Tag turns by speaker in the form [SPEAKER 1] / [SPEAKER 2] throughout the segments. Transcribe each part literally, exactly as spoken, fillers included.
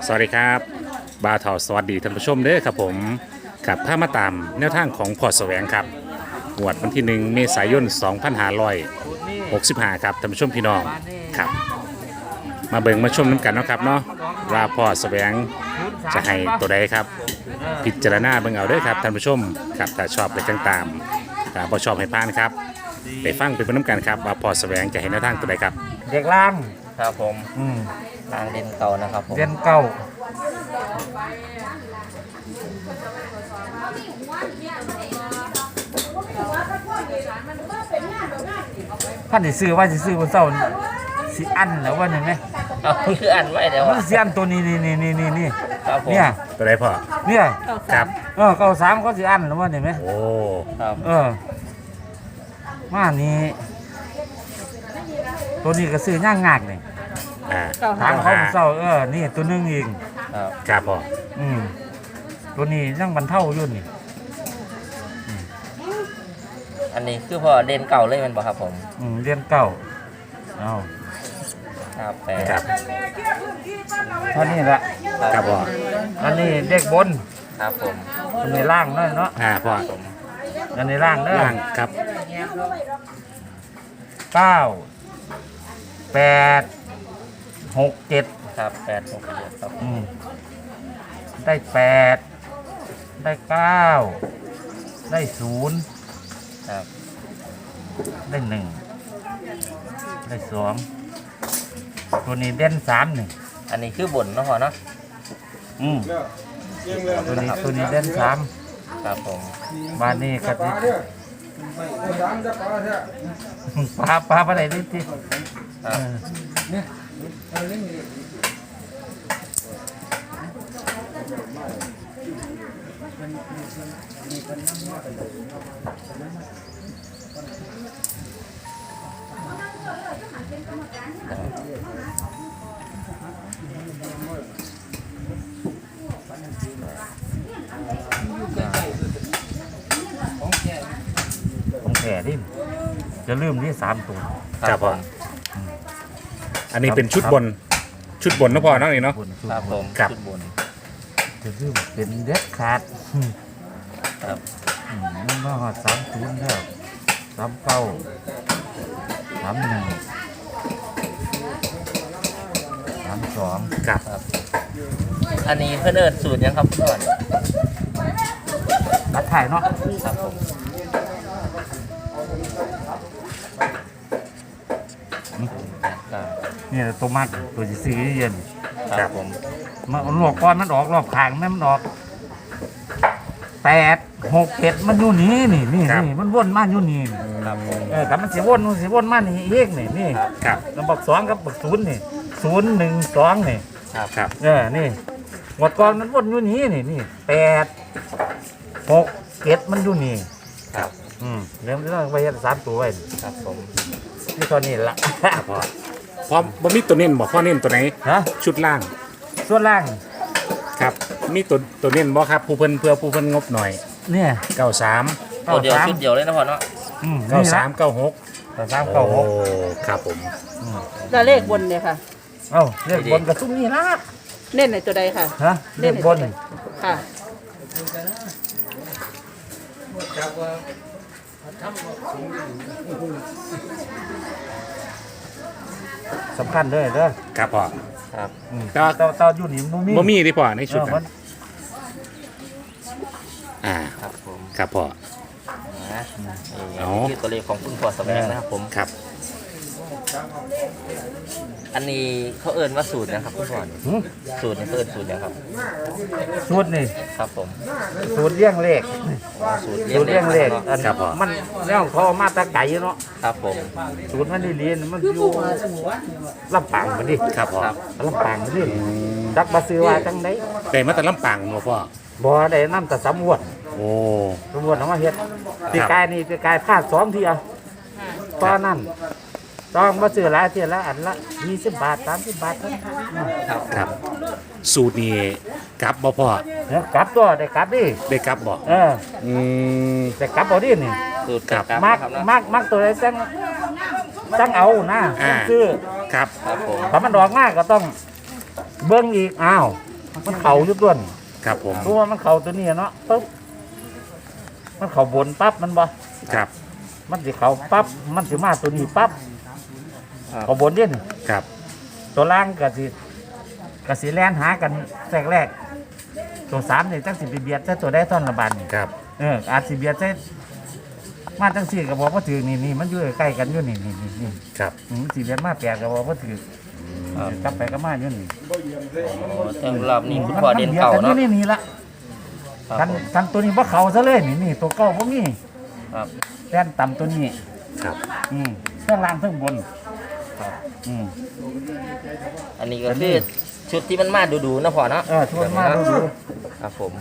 [SPEAKER 1] สวัสดีครับบาทอสวัสดีท่านผู้ชมเด้อครับผมกับพามาตามแนวทางของพอแสวงครับงวดวันที่หนึ่งเมษายนสองพันห้าร้อยหกสิบห้าครับท่านผู้ชมพี่น้องครับมาเบิ่งมาชมน้ำกันเนาะครับเนาะว่าพอแสวงจะให้ตัวใดครับพิจารณาเบิ่งเอาเด้อครับท่านผู้ชมครับถ้าชอบไปจังตามถ้าบ่ชอบให้ผ่านครับไปฟังไปเบิ่งน้ำกันครับว่าพอแสวงจะให้แนวทางตัวใดครับ
[SPEAKER 2] เด็กล่าง
[SPEAKER 3] ครับผม
[SPEAKER 2] อืม
[SPEAKER 3] ทางเด่นเก่านะครับผม
[SPEAKER 2] เรียนเก้าท่านสิซื้อว่าสิซื้อวันเสาร์สิอันแล้วว่าเนี่ยไหม
[SPEAKER 3] เอาคืออ่านไว้เดี๋ยว
[SPEAKER 2] มันสิอันตัวนี้นี่นี่นี่นี่นี่
[SPEAKER 3] ครับผม
[SPEAKER 2] เนี่ย
[SPEAKER 1] ตัวใดพอ
[SPEAKER 2] เนี่ย
[SPEAKER 1] ครับ
[SPEAKER 2] เออเก้าสามเขาสิอันแล้วว่าเนี่ยไหม
[SPEAKER 1] โอ้
[SPEAKER 3] ครับ
[SPEAKER 2] เออมานี่ตัวนี้ก็ซื้อย่างงากนี่
[SPEAKER 1] อ่า
[SPEAKER 2] ทางเขาเศร้าเออนี่ตัวหนึงเอง
[SPEAKER 3] ครับ
[SPEAKER 1] ครับพอ
[SPEAKER 2] อืมตัวนี้ยังบรรเทาอยู่นี่
[SPEAKER 3] อันนี้คือพอเด่นเก่าเลยแมันบ่ครับผม
[SPEAKER 2] อืมเรียนเก้าเอา
[SPEAKER 3] ครับแปด
[SPEAKER 1] ครับ
[SPEAKER 2] เท่านี้ละ
[SPEAKER 1] ครับพอ
[SPEAKER 2] อันนี้เด็กบน
[SPEAKER 3] ครับผม
[SPEAKER 2] อันนี้ล่างเนาะเนาะ
[SPEAKER 1] อ่าพอ
[SPEAKER 2] อันนี้ล่างเด้อ
[SPEAKER 1] ล่างครับ
[SPEAKER 2] เก้าแปดหกเจ็ด
[SPEAKER 3] ครับแปดหกเจ็ดครับ
[SPEAKER 2] อืมได้แปดได้เก้าได้ศูนย์
[SPEAKER 3] ครับ
[SPEAKER 2] ได้หนึ่งได้สองตัวนี้เด่นสามหนึ่ง
[SPEAKER 3] อันนี้คือบนเนาะพอเนาะ
[SPEAKER 2] อืมตัวนี้ตัวนี้เด่นสาม
[SPEAKER 3] ครับผม
[SPEAKER 2] บ้านนี้ก็ที่ปลาปลาปลาอะไรนี่ที่
[SPEAKER 3] ครับ
[SPEAKER 2] ของแก่ดิจะลืมที่สามตัว
[SPEAKER 1] ครับพออันนี้เป็นชุดบนชุดบนนะพอเนาะนี่เนาะ
[SPEAKER 2] บนสุด
[SPEAKER 3] ครับผม
[SPEAKER 1] ครับ
[SPEAKER 3] ชุดบน
[SPEAKER 2] จะลืมเป็นเด็ดขาดอืม
[SPEAKER 3] ครับ
[SPEAKER 2] อืมมันมาหอดสามศูนย์แล้วสามเก้าสามหนึ่งสามสอง
[SPEAKER 1] ครับ
[SPEAKER 3] ครับ อันนี้เพื่อนเอิญสูตรยังครับก่อน
[SPEAKER 2] รัดถ่ายเนาะ
[SPEAKER 3] ครับผม ครับ
[SPEAKER 2] นี่แหละตัวมัดตัวที่สี่เย็น
[SPEAKER 3] ครับผม
[SPEAKER 2] มันหลอกก้อนมันออกรอบขางแม่มันออกแปดหกเจ็ดมันอยู่นี่นี่นี่นี่มันวนมาอยู่นี่นี่
[SPEAKER 3] ครับผม
[SPEAKER 2] เออแต่มันสิวนมันสิวนมานี่อีกนี่นี่
[SPEAKER 1] ครับ
[SPEAKER 2] แล้วบอกสองกับบอกศูนย์นี่ศูนย์หนึ่งสองนี่
[SPEAKER 3] ครับ
[SPEAKER 1] ครับ
[SPEAKER 2] เออนี่หมดก่อนมันวนอยู่นี่นี่นี่แปดหกเจ็ดมันอยู่นี่
[SPEAKER 3] ครับ
[SPEAKER 2] อืมเริ่มเรื่องไปสามตัวไว้นี่
[SPEAKER 3] ครับผม
[SPEAKER 2] นี่ตอนนี้ละ
[SPEAKER 1] ครับพอพอบ่มีตัวเน้นบ่พ่อเน้นตัวไหน
[SPEAKER 2] ฮะ
[SPEAKER 1] ชุดล่าง
[SPEAKER 2] ส่วนล่าง
[SPEAKER 1] ครับมีตัวตัวเน้นบ่ครับผู้เพิ่นเพื่อผู้เพิ่นงบหน่อย
[SPEAKER 2] เนี่ย
[SPEAKER 1] เก้าสาม
[SPEAKER 3] ตัวเดียวชุดเดียวเลยนะพอเนาะ
[SPEAKER 2] อืม
[SPEAKER 1] เก้าสามเก้าหก
[SPEAKER 2] เก้าสามเก้าหก
[SPEAKER 1] โอ้ครับผม
[SPEAKER 4] แล้วเลขบนเนี่ยค่ะ
[SPEAKER 2] เอ้าเรียกบนกับซุ้มนี่ละ
[SPEAKER 4] เน้นในตัวใดค่ะ
[SPEAKER 2] ฮะเรียกบน
[SPEAKER 4] ค่ะ
[SPEAKER 2] สำคัญเลยเด้อ
[SPEAKER 1] ครับพ่อ
[SPEAKER 3] ครับ
[SPEAKER 2] อืม
[SPEAKER 1] แต่ว่า
[SPEAKER 2] เต้าเต้าอยู่นี่มันมี
[SPEAKER 1] บ่มีที่พ่อในชุด
[SPEAKER 2] เออมั
[SPEAKER 1] นั้น นอ่า
[SPEAKER 3] ครับผม
[SPEAKER 1] ครับพ่อ
[SPEAKER 3] นะ
[SPEAKER 1] เอา
[SPEAKER 3] นี่คือตัวเลขของคุณพ่อแสวงนะครับผม
[SPEAKER 1] ครับ
[SPEAKER 3] อันนี้เขาเอิ้นว่าสูตรนะครับคุณพ่อ
[SPEAKER 2] หืม
[SPEAKER 3] สูตรนี่เขาเอิ้นสูตรยังครับ
[SPEAKER 2] สูตรนี่
[SPEAKER 3] ครับผม
[SPEAKER 2] สูตรเลี้ยงเลข
[SPEAKER 3] อ๋อสูตร
[SPEAKER 2] สูตรเลี้ยงเลข
[SPEAKER 3] เนาะ
[SPEAKER 2] อันมันแล้วเขาเอามาแตะไก่เนาะ
[SPEAKER 3] ครับผม
[SPEAKER 2] สูตรมันนี่เรียนมันอยู่ลำปางมันดิ
[SPEAKER 1] ครับพ่อ
[SPEAKER 3] ครับ
[SPEAKER 2] ลำปางมันดิจักมาซื้อว่าจังได
[SPEAKER 1] ได้มาแต่ลำปางบ่พ่อ
[SPEAKER 2] บ่ได้น้ำแต่สำรวจ
[SPEAKER 1] โอ้
[SPEAKER 2] สำรวจเอามาเฮ็ดปีกายนี่ปีกายพลาดสองเทียตอนนั้นต้องมาซื้อหลายเทียละอันละยี่สิบบาทสามสิบบาทเท่านั้น
[SPEAKER 3] ครับ
[SPEAKER 1] ครับ สูตรนี้กลับบ่พ่อ
[SPEAKER 2] เนี่ยกลับตัวได้กลับดิ
[SPEAKER 1] ได้กลับบ่
[SPEAKER 2] เออ
[SPEAKER 1] อืม
[SPEAKER 2] ได้กลับบ่ดินี่
[SPEAKER 3] สูตร
[SPEAKER 1] ครับ
[SPEAKER 3] ครับ
[SPEAKER 2] มัก
[SPEAKER 3] ครับเนาะ
[SPEAKER 2] มักมักตัวไหนจังจังเอานะ
[SPEAKER 1] อ่า
[SPEAKER 2] ซื้อ
[SPEAKER 1] ครับ
[SPEAKER 3] ครับผม
[SPEAKER 2] ถ้ามันดอกมากก็ต้องเบิ่งอีกอ้าวมันเข่าอยุดด้วน
[SPEAKER 1] ครับผม
[SPEAKER 2] รู้ว่ามันเข่าตัวนี้เนาะปุ๊บมันเข่าบนปั๊บมันบ่
[SPEAKER 1] ครับ
[SPEAKER 2] มันสิเข่าปั๊บมันสิมาตัวนี้ปั๊บเข่าบนเด่น
[SPEAKER 1] ครับ
[SPEAKER 2] ตัวล่างก็สิก็สิแล่นหากันแรกแรกตัวสามนี่จังสิไปเบียดใส่ตัวได้ท่อนละบาทนี่
[SPEAKER 1] ครับ
[SPEAKER 2] เอออาจสิเบียดใส่มาจังสี่ก็บอกว่าถือนี่นี่มันอยู่ใกล้กันอยู่นี่นี่นี่นี่
[SPEAKER 1] ครับ
[SPEAKER 2] อืมสิเบียดมาแปดก็บอกว่าถือ
[SPEAKER 3] ครับ
[SPEAKER 2] กลับไปก็มาอยู่นี่
[SPEAKER 3] อ๋อแต่รอบนี้คุณพ่อเด่นเก่า
[SPEAKER 2] มั
[SPEAKER 3] เนาะ
[SPEAKER 2] บียดกัอยู่นี่นี่ละ
[SPEAKER 3] ครับ
[SPEAKER 2] กันกันตัวนี้บ่เขาซะเลยนี่นี่ตัวเก่าบ่มี
[SPEAKER 3] ครับ
[SPEAKER 2] แล่นต่ำตัวนี้
[SPEAKER 1] ครับ
[SPEAKER 2] อืมเครื่องล่างเครื่องบน
[SPEAKER 3] ครับ
[SPEAKER 2] อืม
[SPEAKER 3] อันนี้ก็คือชุดที่มันมาดูๆนะพ่อเนาะ
[SPEAKER 2] เออชวนมาดูดู
[SPEAKER 3] ครับผม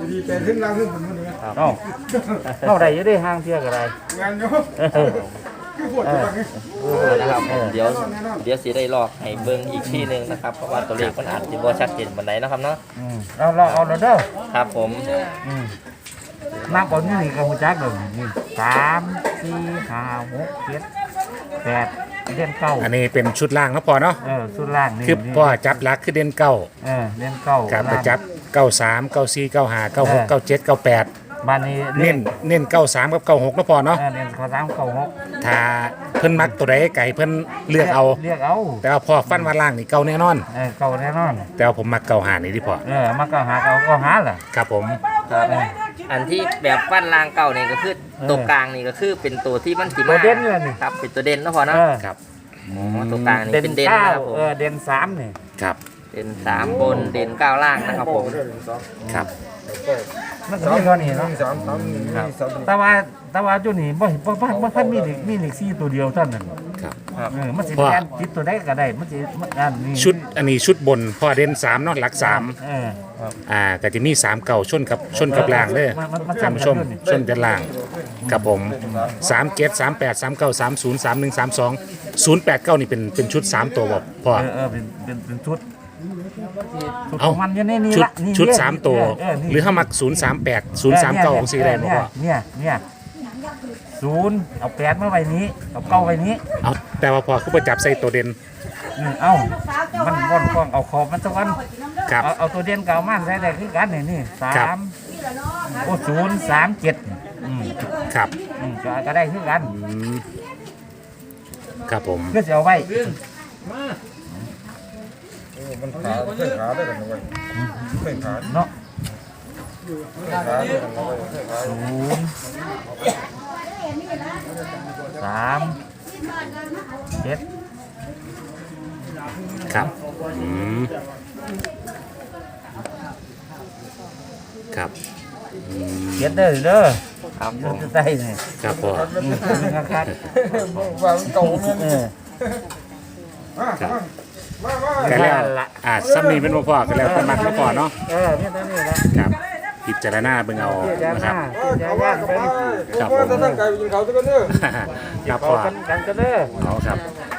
[SPEAKER 2] เอ้าเข้าได้อยู่ได้ห่างเที่ยก็ได้เออเออ
[SPEAKER 3] นะครับผมเดี๋ยวเดี๋ยวสิได้ลอกให้เบิ่งอีกที่หนึงนะครับเพราะว่าตัวเลขมันอาจจะบ่ชัดเจนปานใดนะครับเนาะ
[SPEAKER 2] อืมเราเราเอาแล้วเด้อ
[SPEAKER 3] ครับผม
[SPEAKER 2] อืมนับเอานี่นี่ก็หูจักเลยนี่สามสี่ห้าหกเจ็ดแปดเล่นเก้า
[SPEAKER 1] อันนี้เป็นชุดล่างนะพ่อเนาะ
[SPEAKER 2] เออสุดล่างนี่
[SPEAKER 1] คือพ่อจับหลักคือเด่นเก้า
[SPEAKER 2] เออเล่นเก้า
[SPEAKER 1] ครับไป
[SPEAKER 2] ล่าง
[SPEAKER 1] จับเก้าสามเก้าสี่เก้าห้าเก้าหก
[SPEAKER 2] เออ
[SPEAKER 1] เก้าเจ็ดเก้าแปด
[SPEAKER 2] บ้านนี้
[SPEAKER 1] เน้นเน้นเก้าสามกับเก้าหกนะพ่อเนาะ
[SPEAKER 2] เออเล่นข้อสามเก้าหก
[SPEAKER 1] ถ้าเพิ่นมักตัวใดไก่เพิ่นเลือกเอา
[SPEAKER 2] เรียกเอา
[SPEAKER 1] แต่ว่าพ่อฟันมาล่างนี่เก้าแน่นอน
[SPEAKER 2] เออเก้าแน่นอน
[SPEAKER 1] แต่ว่าผมมักเก้าหานี่ที่พ่อ
[SPEAKER 2] เออมาก็หาเก้าก็หาล่ะ
[SPEAKER 1] ครับผม
[SPEAKER 3] ครับอันที่แบบปั้นรางเก่านี่ก็คือตัวกลางนี่ก็คือเป็นตัวที่มันสิ
[SPEAKER 2] ตัว
[SPEAKER 3] มา
[SPEAKER 2] เด่นเลยนี่
[SPEAKER 3] ครับเป็นตัวเด่นนะพ่อเนาะ
[SPEAKER 2] เออ
[SPEAKER 1] ครับ
[SPEAKER 3] อ๋อตัวกลางนี่
[SPEAKER 2] เด่น
[SPEAKER 3] เป็นเด่น
[SPEAKER 2] เก้า
[SPEAKER 3] นะครับผม
[SPEAKER 2] เออเด่นสามนี่
[SPEAKER 1] ครับ
[SPEAKER 3] เด่นสามบนเด่นเก้าล่างนะครับผม
[SPEAKER 1] ครับ
[SPEAKER 2] มันก็มีเท่านี้เนาะ
[SPEAKER 3] ครับ
[SPEAKER 2] แต่ว่าแต่ว่าจุนี่บ่บ่บ่บ่ทันมีเหล็กมีเหล็กซี่ตัวเดียวเท่านั้น
[SPEAKER 1] ครับ
[SPEAKER 2] เออมันสิ
[SPEAKER 1] ว่า
[SPEAKER 2] แม่นติดตัวใดก็ได้มันสิมันอันนี้
[SPEAKER 1] ชุดอันนี้ชุดบนพ่อเด่นสามเนาะหลักสาม
[SPEAKER 2] เออ
[SPEAKER 1] อ่าก็จะมีสามเก่าชนกับชนกับล่างเด้อ
[SPEAKER 2] มันมันมัน
[SPEAKER 1] ท่านผู้ชม
[SPEAKER 2] จำกันอยู่นี่
[SPEAKER 1] ชนกันล่างกับผมสามเจ็ดสามแปดสามเก้าสามศูนย์สามหนึ่งสามสองศูนย์แปดเก้านี่เป็นเป็นชุดสามตัวบ่พ่อ
[SPEAKER 2] เออเออเป็นเป็นเป็นชุดชุดข
[SPEAKER 1] เอ้า
[SPEAKER 2] องมันอยู่ในนี้
[SPEAKER 1] ชุด
[SPEAKER 2] ละนี่
[SPEAKER 1] ชุด
[SPEAKER 2] เนี่ย
[SPEAKER 1] สามตัว
[SPEAKER 2] เออนี่
[SPEAKER 1] หรือถ้ามักศูนย์สามแปดศูนย์สามเก้าของสีแดงบ่พ่อ
[SPEAKER 2] เนี่ยเนี่ยศูนย์เอาแปดมาไว้นี้เอาเก้าไว้นี้
[SPEAKER 1] เอาแต่ว่าพอคือประจับใส่ตัวเด่น
[SPEAKER 2] อืมเอ้ามันว่อนกว้างเอาขอบมันสักวัน
[SPEAKER 1] ครับ
[SPEAKER 2] เอาเอาตัวเด่นเก่ามาใส่ได้คือกันนี่นี่สา
[SPEAKER 1] ครับ
[SPEAKER 2] มโอ้ศูนย์สามเจ็ดอืม
[SPEAKER 1] ครับ
[SPEAKER 2] อืมก็ก็ได้คือกัน
[SPEAKER 1] อืมครับผม
[SPEAKER 2] ก็จะเอาไว้
[SPEAKER 5] มันขาเคยขาได้กันเลยเคยขา
[SPEAKER 2] เนาะ
[SPEAKER 5] ขาได้กันเลยเคยขา
[SPEAKER 2] ศูนย์สามเจ็ด
[SPEAKER 1] ครับอืมครับอืม
[SPEAKER 2] เจ็ดเด้อเด้อ
[SPEAKER 3] ครับผม
[SPEAKER 2] จะได้นี่
[SPEAKER 1] ครับพ่อ
[SPEAKER 2] อืมครับ
[SPEAKER 5] วางเก่าเนี่ย
[SPEAKER 2] เออ
[SPEAKER 5] มามา
[SPEAKER 1] ก็แล้ว
[SPEAKER 2] นั่นล่ะ
[SPEAKER 1] อ่าซ้ำนี้เป็นบ่พ่อก็แล้วแต่มักบ่พ่อเนาะ
[SPEAKER 2] เออเนี่ยตัวนี้ละ
[SPEAKER 1] ครับพิจารณาเบิ่งเอา
[SPEAKER 2] เจ้า
[SPEAKER 1] นะ
[SPEAKER 2] ห
[SPEAKER 1] ครั
[SPEAKER 2] น้า
[SPEAKER 1] บ
[SPEAKER 2] เจ้า
[SPEAKER 5] เอา
[SPEAKER 2] ห
[SPEAKER 5] ว่า
[SPEAKER 2] น้า
[SPEAKER 5] เอา
[SPEAKER 2] เป็น
[SPEAKER 5] ว่าเอาว่าถ้าตั้งใจไปกินเขาจะกันเนี่ย
[SPEAKER 1] ครับ
[SPEAKER 2] เอา
[SPEAKER 1] พ่อ
[SPEAKER 2] กันกันกันเด้อ
[SPEAKER 1] เอาครับ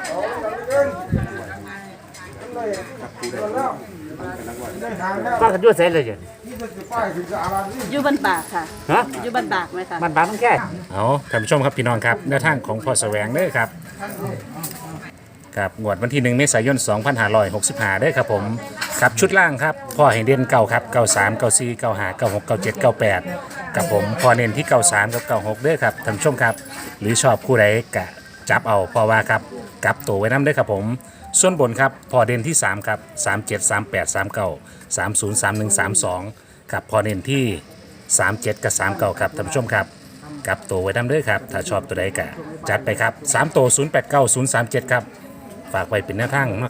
[SPEAKER 2] ป้ากันด้วยเสร็จเลยจ้ะ
[SPEAKER 4] อยู่บ้านปากค่ะ
[SPEAKER 2] ฮะ
[SPEAKER 4] อยู่บ้านปากไหมคะ
[SPEAKER 2] มันบางต้องแค่
[SPEAKER 1] เอาท่านผู้ชมครับพี่น้องครับแนวทางของพ่อแสวงเด้อครับครับงวดวันที่หนึ่งเมษายนสองพันห้าร้อยหกสิบห้าเด้อครับผมครับชุดล่างครับพ่อเห็นเด่นเก่าครับเก้าสามเก้าสี่เก้าห้าเก้าหกเก้าเจ็ดเก้าแปดกับผมพอเน้นที่เก้าสามกับเก้าหกเด้อครับท่านผู้ชมครับหรือชอบคู่ใดกะจับเอาเพอว่าครับกลับตัวไว้น้ำเด้อครับผมส่วนบนครับพอเด่นที่สามครับสามเจ็ดสามแปดสามเก้าสามศูนย์สามหนึ่งสามสองครับพอเน้นที่สามเจ็ดกับสามเก้าครับท่านผู้ชมครับกลับตัวไว้น้ำเด้อครับถ้าชอบตัวใดกะจัดไปครับสามตัวศูนย์แปดเก้าศูนย์สามเจ็ดครับฝากไว้เป็นแนวทาง